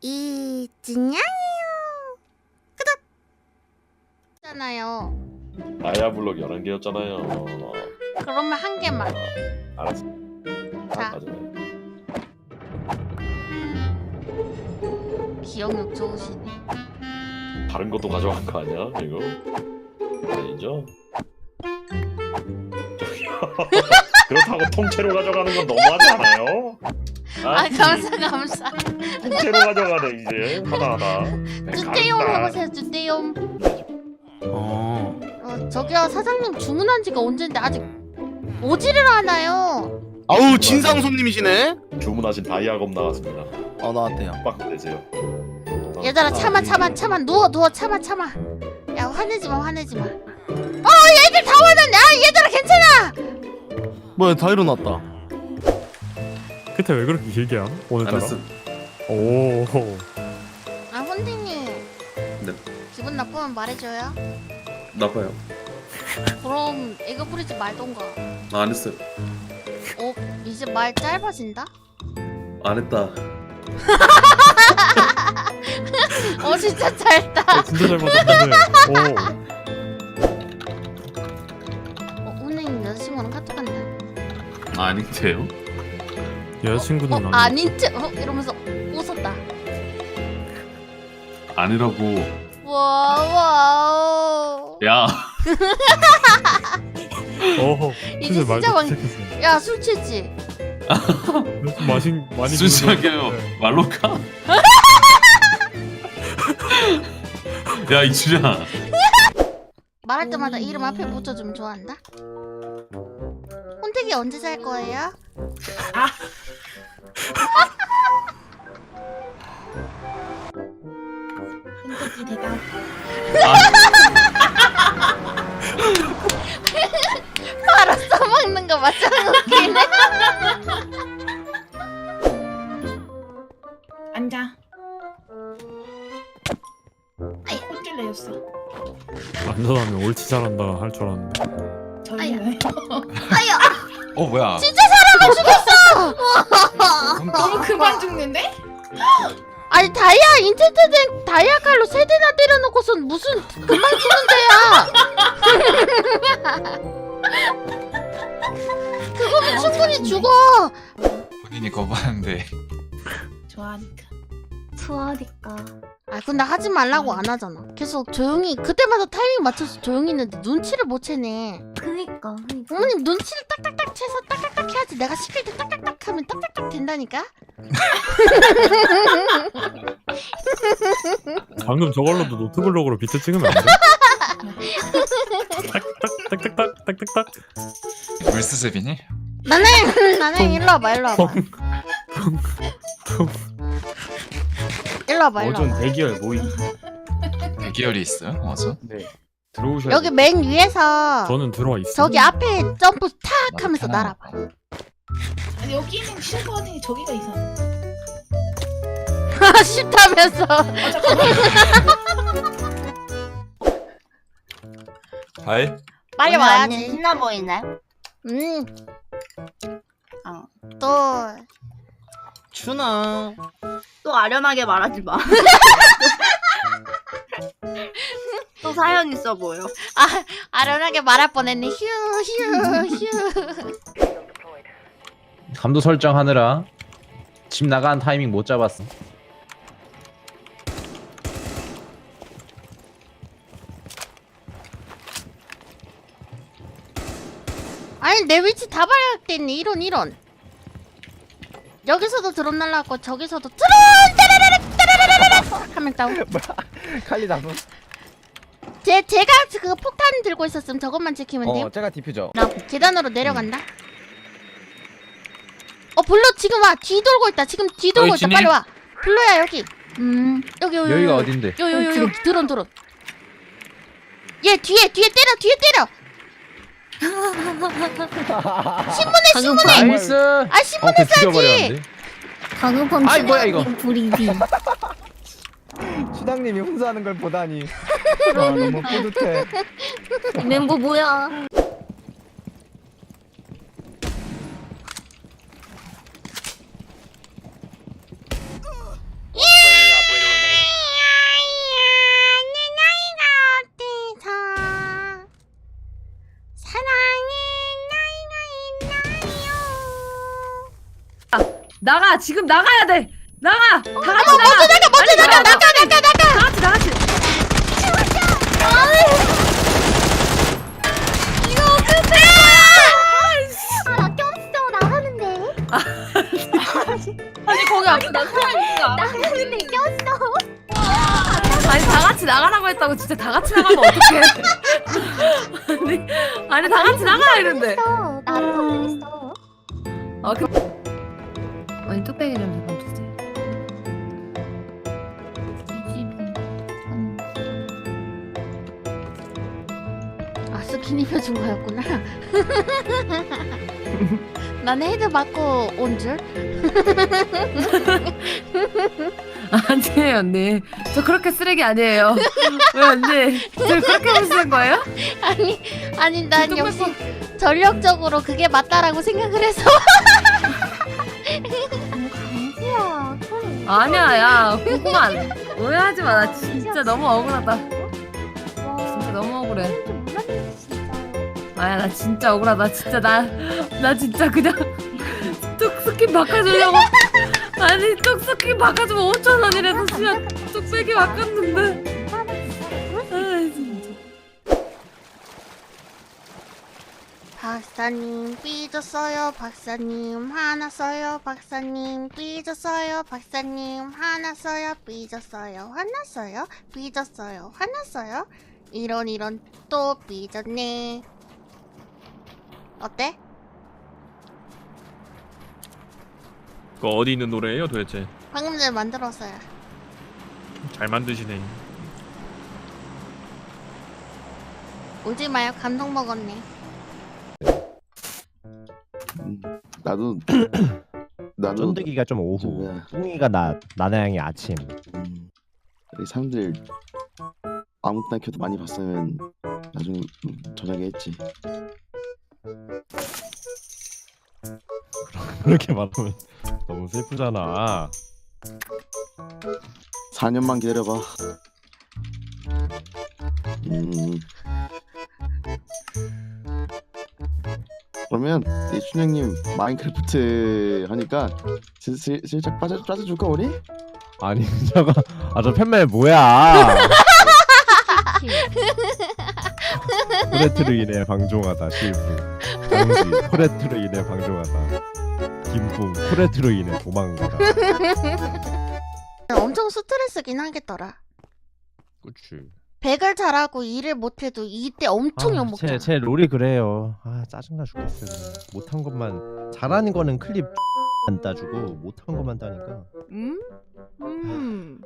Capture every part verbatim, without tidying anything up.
이진양이요. 끄덕. 잖아요. 다이아 블록 열한 개였잖아요. 그러면 한 개만. 어, 알았어. 자. 가져가요. 기억력 좋으시네. 다른 것도 가져간 거 아니야? 이거? 아니죠? 저기요. 그렇다고 통째로 가져가는 건 너무하지 않아요? 아 감사 감사. 통째로 가져가네 이제 하나하나. 주대용 해보세요. 주대용. 어. 어 저기요 사장님 주문한 지가 언젠데 아직 오지를 않아요. 아우 진상 손님이시네. 주문하신 다이아검 나왔습니다. 어 나왔대요. 빡 내세요. 얘들아 참아 참아 참아 누워 누워 참아 참아. 야 화내지 마 화내지 마. 어 얘들 다 화났네. 아 얘들아 괜찮아. 뭐야 다 일어났다. 그때 왜 그렇게 길게 함? 오늘따라? 알았어. 오. 아 혼디님. 네. 기분 나쁘면 말해줘요. 나빠요. 그럼 애교 부리지 말던가. 아, 안 했어요. 어 이제 말 짧아진다. 안 했다. 어 진짜 짧다. 어, 진짜 잘 맞았네. 오. 어 혼디님 여자친구랑 카톡 한다. 아닌데요? 여자친구는 어 아니. 아닌 척 어, 이러면서 웃었다. 아니라고. 와우. 야. 어허. 이제 진짜 말도 진짜 많이- 시작했어. 야 술 취했지? 좀 마신 많이. 순수하게요. 네. 말로 가. 야 이주야. 말할 때마다 이름 앞에 붙여주면 좋아한다. 혼택이 언제 잘 거예요? 흔적이 대답. 바로 써먹는 거 맞잖아. 웃기네. 앉아. 아이 혼쭐 내줬어. 안전하면 옳지 잘한다 할 줄 알았는데. 저희는 어 뭐야? 진짜 사람을 죽였어. 너무 그만 죽는데? 아니 다이아 인텐트 된 다이아 칼로 세 대나 때려놓고선 무슨 금방 죽는데야. 그거면 충분히 죽어. 본인이 거부하는데 좋아하니까. 좋아하니까. 아 근데 하지 말라고 안 하잖아. 계속 조용히 그때마다 타이밍 맞춰서 조용히 있는데 눈치를 못 채네. 그니까. 그니까. 어머님 눈치를 딱딱딱 채서 딱딱딱 해야지. 내가 시킬 때 딱딱딱 하면 딱딱딱 된다니까. 방금 저걸로도 노트블록으로 비트 찍으면 안 돼? 딱딱딱딱딱 딱딱딱. 물수습이니? 나는 나는 일로 와봐 일로 와봐. 일로 와봐 일로 어전 와봐. 대기열 모임. 대기열이 있어요? 어서? 네. 들어오셔야 여기 맨 위에서 저는 들어와 있어. 저기 앞에 점프 탁 하면서 날아봐. 아니 여기는 싫은 거 같으니 저기가 이상해. 싫다면서. 아 잠깐만. 하이? 빨리 오늘 언니 와야지. 신나 보이네. 음. 어. 또 추나. 또 아련하게 말하지 마. 또 사연 있어 보여. 아, 아련하게 말할 뻔했네. 휴, 휴, 휴. 감도 설정하느라 집 나간 타이밍 못 잡았어. 아니, 내 위치 다 발각됐네. 이런, 이런. 여기서도 드론 날라왔고, 저기서도 드론! 따라라락, 따라라라락! 하면 다운. 칼리 나무. 제, 제가 그 폭탄 들고 있었음. 저것만 지키면 돼요. 어, 제가 디퓨저. 나 계단으로 내려간다. 어, 블루 지금 와. 뒤 돌고 있다. 지금 뒤 돌고 있다. 진이? 빨리 와. 블루야, 여기. 음. 여기, 여기. 여기가 여기. 어딘데? 요, 요, 요, 요. 드론, 드론. 얘 뒤에, 뒤에 때려, 뒤에 때려. 신문에, 신문에. 나이스. 아, 어, 신문에 그 써야지. 죽여버렸는데. 강우범 아이, 뭐야, 이거. 불이비. 수당님이 훈수하는 걸 보다니. 아, 너무 뿌듯해. 멤버 뭐야? 예! 나가 지금 나가야 돼. 나가. 다 같이 나가. 먼저 나가 먼저 나가 나가 나가 나가. 다 같이 다 같이. 이거 어떡해? 나 꼈어 나가는데. 아니 거기 앞에 나 사람 있는 거 알아? 나가는데 꼈어. 아니 다 같이 나가라고 했다고 진짜 다 같이 나가면 어떡해? 아니 아니 다 같이 나가라 이랬는데. 어, 나도 성공했어. 아 그. 아니 뚝배기 좀 잠깐 주세요. 아 스킨 입혀준 거였구나. 나는 헤드 맞고 온 줄. 아니에요 언니. 저 그렇게 쓰레기 아니에요. 왜 언니? 저 그렇게 무시한 거예요? 아니 아니 난 역시 전력적으로 그게 맞다라고 생각을 해서. 강지야. 털. 아니야 야 고구마 오해하지 마. 나 진짜 너무 억울하다. 와. 진짜 너무 억울해. 좀 몰랐네 진짜. 아야 나 진짜 억울하다. 진짜 나 나 진짜 그냥 뚝 스킨 바꿔주려고. 아니 뚝 스킨 바꿔주면 오천 원이라도 그냥 뚝배기 바꿨는데. 아 진짜. 박사님 삐졌어요. 박사님 화났어요. 박사님 삐졌어요. 박사님 화났어요. 삐졌어요. 화났어요. 삐졌어요. 화났어요. 이런 이런 또 삐졌네. 어때? 그거 어디 있는 노래예요 도대체? 방금 전에 만들었어요. 잘 만드시네. 울지 마요. 감동 먹었네. 음, 나도 나도 쫀득이가 좀 오후, 저거야. 뿡이가 나 나나양이 아침. 음, 이 사람들 아무 때나 켜도 많이 봤으면 나중에 음, 저녁에 했지. 그렇게 말하면 너무 슬프잖아. 사 년만 기다려봐. 음. 그러면 이춘 형님 마인크래프트 하니까 슬, 슬, 슬쩍 빠져 빠져줄까 우리? 아니 저거 아저 팬멜 뭐야? 코레트로 인해 방종하다 실부. 정지 코레트로 인해 방종하다. 김풍 코레트로 인해 도망가다. 엄청 스트레스긴 하겠더라. 그치. 백을 잘하고 일을 못해도 이때 엄청 욕먹잖아. 제, 제 롤이 그래요. 아 짜증나 죽겠어. 그냥. 못한 것만 잘하는 거는 클립 안 따주고 못한 것만 따니까. 음? 음.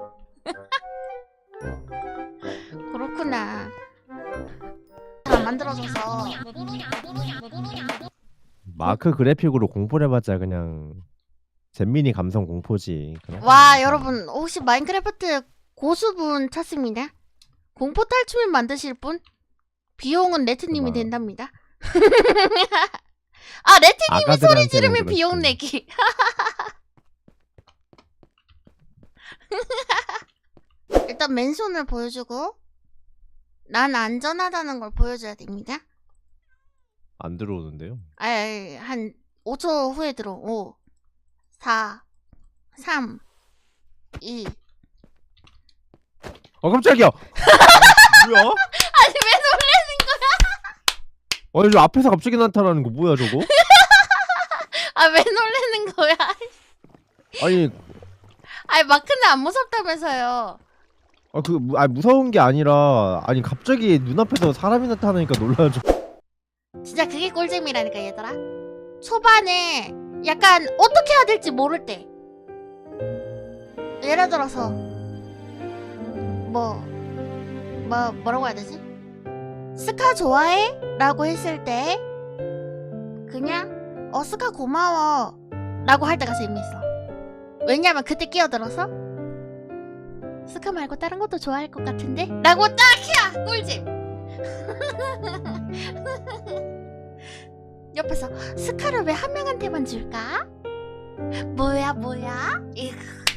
그렇구나. 잘 만들어줘서. 마크 그래픽으로 공포를 해봤자 그냥 잼민이 감성 공포지. 그냥. 와 여러분 혹시 마인크래프트 고수분 찾습니다. 공포 탈출을 만드실 분? 비용은 레트님이 그만. 된답니다. 아 레트님이 소리 아가들한테는 지르면 그렇지. 비용 내기. 일단 맨손을 보여주고 난 안전하다는 걸 보여줘야 됩니다. 안 들어오는데요? 아이 한 오 초 후에 들어. 오 사 삼 이 어 깜짝이야. 뭐야? 아니 왜 놀래는 거야? 아니 저 앞에서 갑자기 나타나는 거 뭐야 저거? 아 왜 놀래는 거야? 아니 아니 마크는 안 무섭다면서요. 아 그 아 무서운 게 아니라 아니 갑자기 눈앞에서 사람이 나타나니까 놀라죠. 진짜 그게 꿀잼이라니까 얘들아. 초반에 약간 어떻게 해야 될지 모를 때 예를 들어서 뭐, 뭐 뭐라고 해야 되지? 스카 좋아해? 라고 했을 때 그냥 어 스카 고마워 라고 할 때가 재밌어. 왜냐면 그때 끼어들어서 스카 말고 다른 것도 좋아할 것 같은데? 라고 딱 해야 꿀잼. 옆에서 스카를 왜 한 명한테만 줄까? 뭐야 뭐야? 이거